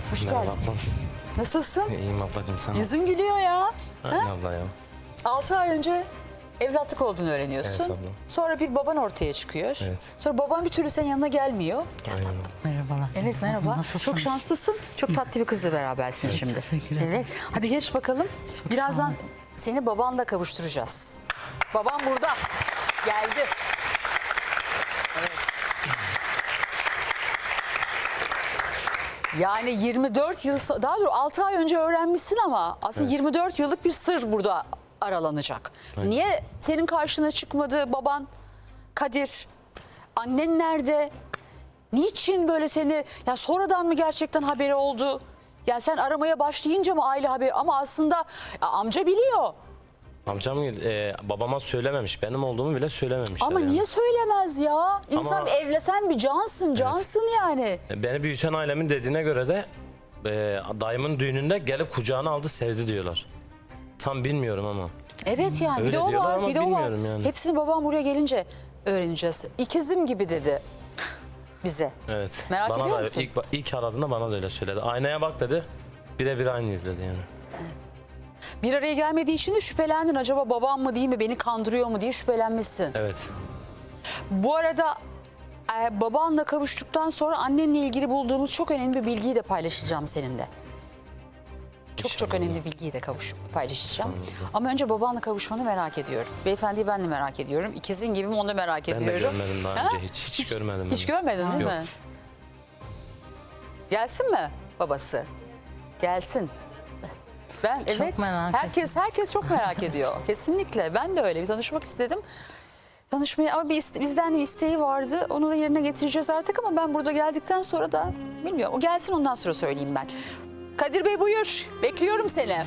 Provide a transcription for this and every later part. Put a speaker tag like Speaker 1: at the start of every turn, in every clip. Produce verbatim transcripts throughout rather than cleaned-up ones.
Speaker 1: Hoş
Speaker 2: Merhaba
Speaker 1: geldin.
Speaker 2: ablam.
Speaker 1: Nasılsın?
Speaker 2: İyiyim ablacığım, sen
Speaker 1: Yüzün gülüyor ya.
Speaker 2: nasılsın? abla ya.
Speaker 1: altı ay önce evlatlık olduğunu öğreniyorsun.
Speaker 2: Evet abla.
Speaker 1: Sonra bir baban ortaya çıkıyor.
Speaker 2: Evet.
Speaker 1: Sonra baban bir türlü senin yanına gelmiyor. Gel
Speaker 2: Aynen.
Speaker 1: tatlım.
Speaker 3: Merhabalar.
Speaker 1: Evet merhaba.
Speaker 3: Nasılsın?
Speaker 1: Çok şanslısın. Çok tatlı bir kızla berabersin şimdi.
Speaker 3: teşekkür ederim.
Speaker 1: Evet. Hadi geç bakalım.
Speaker 3: Çok
Speaker 1: Birazdan
Speaker 3: sağ olun.
Speaker 1: seni babanla kavuşturacağız. Babam burada. Geldi. Evet. Yani yirmi dört yıl, so- daha doğrusu altı ay önce öğrenmişsin ama aslında
Speaker 2: Evet.
Speaker 1: yirmi dört yıllık bir sır burada aralanacak.
Speaker 2: Evet.
Speaker 1: Niye senin karşına çıkmadı baban Kadir? Annen nerede? Niçin böyle seni, ya sonradan mı gerçekten haberi oldu? Ya sen aramaya başlayınca mı aile haberi, ama aslında ya amca biliyor.
Speaker 2: Amcam e, babama söylememiş, benim olduğumu bile söylememişler.
Speaker 1: Ama
Speaker 2: yani.
Speaker 1: niye söylemez ya? İnsan
Speaker 2: Ama-
Speaker 1: bir evlesen bir cansın, cansın yani.
Speaker 2: Beni büyüten ailemin dediğine göre de e, dayımın düğününde gelip kucağına aldı, sevdi diyorlar. Tam bilmiyorum ama.
Speaker 1: Evet yani bir
Speaker 2: Öyle
Speaker 1: de o
Speaker 2: diyorlar
Speaker 1: var,
Speaker 2: ama
Speaker 1: bir de o var.
Speaker 2: bilmiyorum yani.
Speaker 1: Hepsini babam buraya gelince öğreneceğiz. İkizim gibi dedi bize.
Speaker 2: Evet.
Speaker 1: Merak
Speaker 2: bana
Speaker 1: ediyor
Speaker 2: da
Speaker 1: musun?
Speaker 2: ilk, ilk aradığında bana da öyle söyledi. Aynaya bak dedi. Birebir aynı izledi yani.
Speaker 1: Bir araya gelmediği için de şüphelendin. Acaba babam mı değil mi, beni kandırıyor mu diye şüphelenmişsin.
Speaker 2: Evet.
Speaker 1: Bu arada e, babanla kavuştuktan sonra annenle ilgili bulduğumuz çok önemli bir bilgiyi de paylaşacağım seninle. Çok çok
Speaker 2: İnşallah.
Speaker 1: önemli bir bilgiyi de kavuş, paylaşacağım. Ama önce babanla kavuşmanı merak ediyorum. Beyefendiyi ben de merak ediyorum. İkizin gibi mi onu da merak
Speaker 2: Ben de
Speaker 1: ediyorum.
Speaker 2: görmedim daha önce. Hiç, hiç, görmedim.
Speaker 1: Hiç
Speaker 2: ben.
Speaker 1: görmedin değil
Speaker 2: Yok.
Speaker 1: mi? Gelsin mi babası? Gelsin. Ben evet.
Speaker 3: merak
Speaker 1: herkes herkes çok merak ediyor. Kesinlikle. Ben de öyle bir tanışmak istedim. Tanışmaya ama bir iste- bizden de bir isteği vardı. Onu da yerine getireceğiz artık ama ben burada geldikten sonra da bilmiyorum. O gelsin, ondan sonra söyleyeyim ben. Kadir Bey buyur. Bekliyorum seni.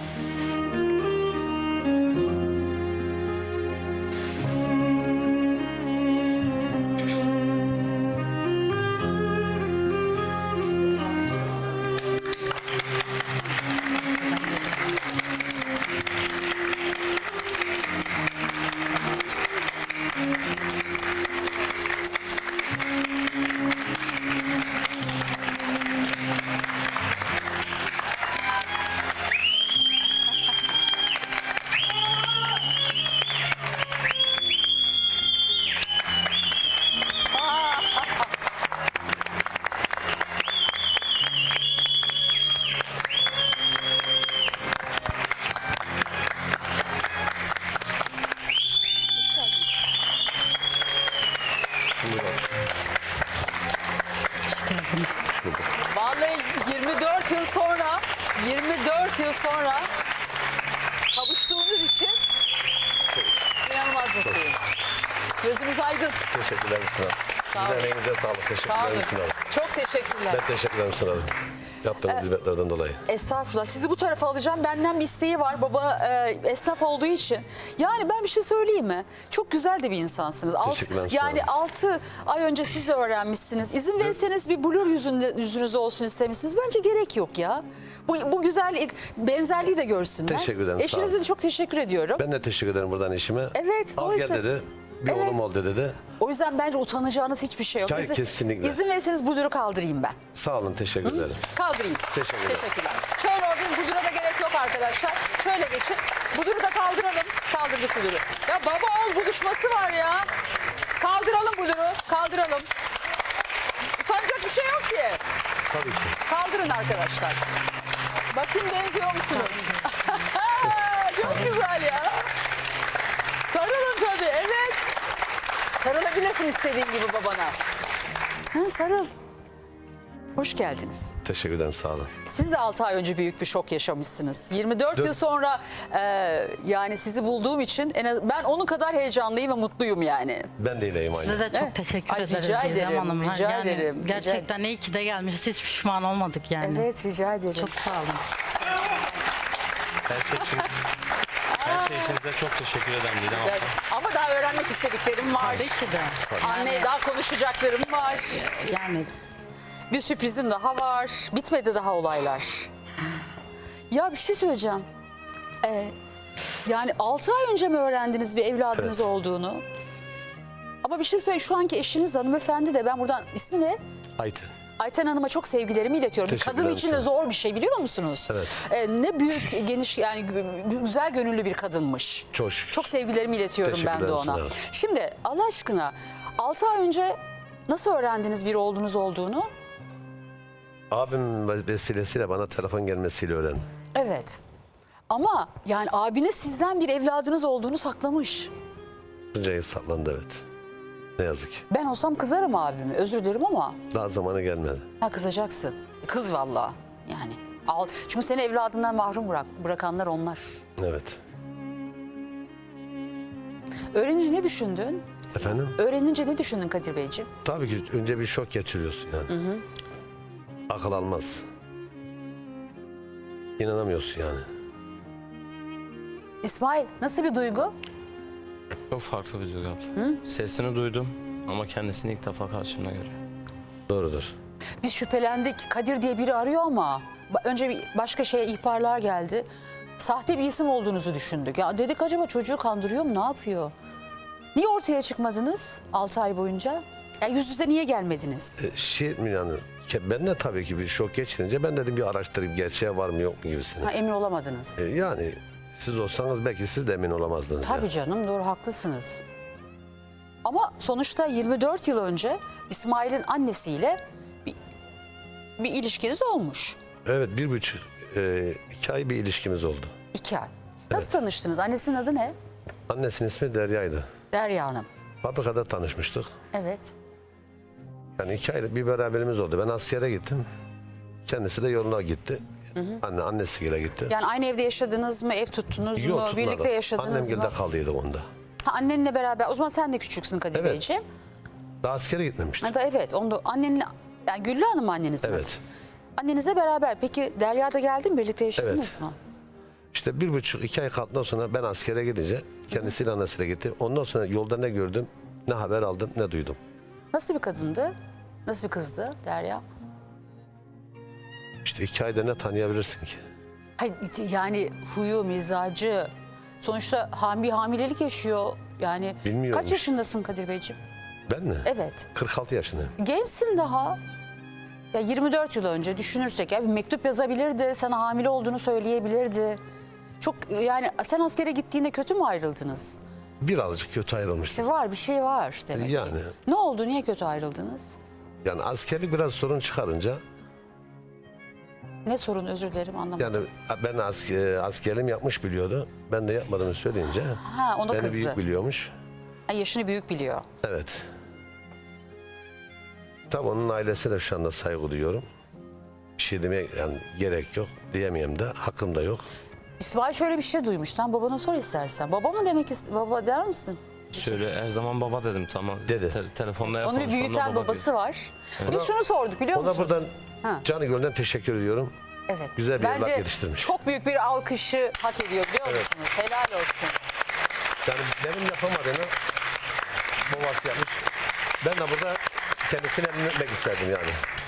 Speaker 3: Geldiniz.
Speaker 1: Vallahi yirmi dört yıl sonra, yirmi dört yıl sonra kavuştuğumuz için inanılmaz mutluyum. Gözümüz aydın.
Speaker 4: Teşekkürler Müslüm Hanım.
Speaker 1: Sağ
Speaker 4: Sizin
Speaker 1: olun.
Speaker 4: emeğinize sağlık.
Speaker 1: Sağ
Speaker 4: Teşekkürler
Speaker 1: olun.
Speaker 4: Müslüm Hanım.
Speaker 1: Çok teşekkürler.
Speaker 4: Ben teşekkür ederim Müslüm Hanım. Yaptığınız hizmetlerden dolayı.
Speaker 1: Estağfurullah. Sizi bu tarafa alacağım. Benden bir isteği var. Baba e, esnaf olduğu için. Yani ben bir şey söyleyeyim mi? Çok güzel de bir insansınız. Alt-
Speaker 4: Teşekkürler, sağ
Speaker 1: yani
Speaker 4: olun.
Speaker 1: altı ay önce siz de öğrenmişsiniz. İzin verirseniz bir blur yüzünde, yüzünüz olsun istemişsiniz. Bence gerek yok ya. Bu, bu güzel benzerliği de görsünler.
Speaker 4: Teşekkür ederim, sağ
Speaker 1: Eşinize
Speaker 4: olun.
Speaker 1: de çok teşekkür ediyorum.
Speaker 4: Ben de teşekkür ederim buradan eşime.
Speaker 1: Evet,
Speaker 4: Al gel
Speaker 1: dolayısıyla-
Speaker 4: dedi. Bir
Speaker 1: Evet.
Speaker 4: oğlum ol dedi.
Speaker 1: O yüzden bence utanacağınız hiçbir şey yok.
Speaker 4: Hayır, kesinlikle.
Speaker 1: İzin verirseniz bluru kaldırayım ben.
Speaker 4: Sağ olun, teşekkür ederim.
Speaker 1: Kaldırayım.
Speaker 4: Teşekkür ederim.
Speaker 1: Teşekkürler. Şöyle olayım, budura da gerek yok arkadaşlar. Şöyle geçin. Buduru da kaldıralım. Kaldırdık buduru. Ya baba oğul buluşması var ya. Kaldıralım buduru. Kaldıralım. Utanacak bir şey yok ki.
Speaker 4: Tabii ki.
Speaker 1: Kaldırın arkadaşlar. Bakın benziyor musunuz? Çok güzel ya. Sarılın tabii, evet. Sarılabilirsin istediğin gibi babana. Ha, sarıl. Hoş geldiniz.
Speaker 4: Teşekkür ederim, sağ olun.
Speaker 1: Siz de altı ay önce büyük bir şok yaşamışsınız. yirmi dört
Speaker 4: Dört-
Speaker 1: yıl sonra e, yani sizi bulduğum için en az, ben onun kadar heyecanlıyım ve mutluyum yani.
Speaker 4: Ben de iyileyim aynı.
Speaker 3: Size de çok
Speaker 1: Evet.
Speaker 3: teşekkür
Speaker 1: Ay,
Speaker 3: ederiz.
Speaker 1: rica
Speaker 3: Didem
Speaker 1: ederim,
Speaker 3: Hanım.
Speaker 1: rica
Speaker 3: Yani
Speaker 1: ederim, rica
Speaker 3: Gerçekten iyi ki de gelmişiz. Hiç pişman olmadık yani.
Speaker 1: Evet, rica ederim.
Speaker 3: Çok sağ olun.
Speaker 2: Her şey için, her şey için size çok teşekkür ederim Didem
Speaker 1: Rica
Speaker 2: abla.
Speaker 1: ederim. Ama daha öğrenmek istediklerim var.
Speaker 3: Tabii ki de.
Speaker 1: Anneye daha konuşacaklarım var.
Speaker 3: Yani
Speaker 1: Bir sürprizim daha var. Bitmedi daha olaylar. Ya bir şey söyleyeceğim. Ee, yani altı ay önce mi öğrendiniz bir evladınız
Speaker 4: Evet.
Speaker 1: olduğunu? Ama bir şey söyleyeyim. Şu anki eşiniz hanımefendi de, ben buradan ismi ne?
Speaker 4: Ayten.
Speaker 1: Ayten Hanım'a çok sevgilerimi iletiyorum. Bir
Speaker 4: Teşekkür
Speaker 1: kadın
Speaker 4: ederim
Speaker 1: için de
Speaker 4: sana.
Speaker 1: zor bir şey biliyor musunuz?
Speaker 4: Evet.
Speaker 1: Ee, ne büyük, geniş yani gü- güzel gönüllü bir kadınmış.
Speaker 4: Çok şükür.
Speaker 1: Çok sevgilerimi iletiyorum
Speaker 4: Teşekkür
Speaker 1: ben de
Speaker 4: ederim
Speaker 1: ona.
Speaker 4: sana.
Speaker 1: Şimdi Allah aşkına altı ay önce nasıl öğrendiniz bir oğlunuz olduğunu?
Speaker 4: Abim vesilesiyle bana telefon gelmesiyle öğrendim.
Speaker 1: Evet. Ama yani abiniz sizden bir evladınız olduğunu saklamış.
Speaker 4: Tuncay'ı saklandı evet. Ne yazık ki.
Speaker 1: Ben olsam kızarım abime. Özür dilerim ama
Speaker 4: Daha zamanı gelmedi.
Speaker 1: ha, kızacaksın. Kız vallahi yani. Al. Çünkü seni evladından mahrum bırak, bırakanlar onlar.
Speaker 4: Evet.
Speaker 1: Öğrenince ne düşündün?
Speaker 4: Efendim?
Speaker 1: Öğrenince ne düşündün Kadir Beyciğim?
Speaker 4: Tabii ki önce bir şok geçiriyorsun yani. Akıl almaz. İnanamıyorsun yani.
Speaker 1: İsmail nasıl bir duygu?
Speaker 2: Çok farklı bir duygu abla. Sesini duydum ama kendisini ilk defa karşımda görüyorum.
Speaker 4: Doğrudur.
Speaker 1: Biz şüphelendik. Kadir diye biri arıyor ama ba- önce bir başka şeye ihbarlar geldi. Sahte bir isim olduğunuzu düşündük. Ya dedik acaba çocuğu kandırıyor mu? Ne yapıyor? Niye ortaya çıkmadınız altı ay boyunca? Ya yüz yüze niye gelmediniz?
Speaker 4: E, şey mi yani? ke- Ben de tabii ki bir şok geçirince ben dedim bir araştırayım gerçeğe var mı yok mu gibisini.
Speaker 1: Ha, emin olamadınız.
Speaker 4: E, yani siz olsanız belki siz de emin olamazdınız.
Speaker 1: Tabii
Speaker 4: yani.
Speaker 1: canım doğru haklısınız. Ama sonuçta yirmi dört yıl önce İsmail'in annesiyle bir, bir ilişkiniz olmuş.
Speaker 4: Evet bir buçuk, e, iki ay bir ilişkimiz oldu.
Speaker 1: İki ay. Nasıl tanıştınız? Annesinin adı ne?
Speaker 4: Annesinin ismi Derya'ydı.
Speaker 1: Derya Hanım.
Speaker 4: Fabrikada tanışmıştık.
Speaker 1: Evet.
Speaker 4: Yani iki aylık bir beraberimiz oldu. Ben askere gittim. Kendisi de yoluna gitti. Anne annesiyle gitti.
Speaker 1: Yani aynı evde yaşadınız mı? Ev tuttunuz
Speaker 4: Yok,
Speaker 1: mu?
Speaker 4: tutmadı.
Speaker 1: Birlikte yaşadınız
Speaker 4: Annem
Speaker 1: mı?
Speaker 4: gilde kaldıydı onda.
Speaker 1: Ha, annenle beraber. O zaman sen de küçüksün Kadir
Speaker 4: Evet.
Speaker 1: Beyciğim.
Speaker 4: Daha askere gitmemişti.
Speaker 1: Ha da evet. Onu da annenle yani Güllü Hanım mı anneniz mi?
Speaker 4: Evet.
Speaker 1: Annenizle beraber. Peki Derya da geldi mi? Birlikte yaşadınız mı?
Speaker 4: İşte bir buçuk iki ay kaldıktan sonra ben askere gidince kendisiyle annesiyle gitti. Ondan sonra yolda ne gördüm, ne haber aldım, ne duydum.
Speaker 1: Nasıl bir kadındı? Nasıl bir kızdı Derya?
Speaker 4: İşte iki ayda ne tanıyabilirsin ki?
Speaker 1: Hayır, yani huyu, mizacı. Sonuçta ham bir hamilelik yaşıyor. Yani
Speaker 4: Bilmiyorum
Speaker 1: kaç
Speaker 4: işte.
Speaker 1: yaşındasın Kadir Beyciğim?
Speaker 4: Ben mi?
Speaker 1: Evet.
Speaker 4: kırk altı yaşındayım.
Speaker 1: Gençsin daha. Ya yirmi dört yıl önce düşünürsek ya bir mektup yazabilirdi, sana hamile olduğunu söyleyebilirdi. Çok yani sen askere gittiğinde kötü mü ayrıldınız?
Speaker 4: Birazcık kötü ayrılmıştım.
Speaker 1: İşte var bir şey var demek ki.
Speaker 4: Yani.
Speaker 1: Ne oldu? Niye kötü ayrıldınız?
Speaker 4: Yani askerlik biraz sorun çıkarınca
Speaker 1: Ne sorun özür dilerim anlamadım.
Speaker 4: yani ben asker, askerliğimi yapmış biliyordu. Ben de yapmadığımı söyleyince
Speaker 1: ha ona
Speaker 4: beni
Speaker 1: kızdı.
Speaker 4: büyük biliyormuş.
Speaker 1: Ha, yaşını büyük biliyor.
Speaker 4: Evet. Tabii onun ailesine şu anda saygı duyuyorum. Bir şey demeye yani gerek yok. Diyemeyeyim de hakkım da yok.
Speaker 1: İsmail şöyle bir şey duymuş. Sen babana sor istersen. Baba mı demek ist- baba der misin?
Speaker 2: Şöyle her zaman baba dedim tamam.
Speaker 4: Dedi.
Speaker 2: Te- telefonda
Speaker 1: Onu bir
Speaker 2: konuşmamda
Speaker 1: büyüten
Speaker 2: baba
Speaker 1: babası
Speaker 2: diyor.
Speaker 1: var. Biz şunu sorduk biliyor
Speaker 4: Ona
Speaker 1: musunuz?
Speaker 4: buradan
Speaker 1: Ha.
Speaker 4: canı gölden teşekkür ediyorum.
Speaker 1: Evet.
Speaker 4: güzel bir evlat
Speaker 1: Bence
Speaker 4: yetiştirmiş.
Speaker 1: çok büyük bir alkışı hak ediyor biliyor musunuz? Helal olsun.
Speaker 4: Yani benim yapamadığını babası yapmış. Ben de burada kendisini emin etmek isterdim yani.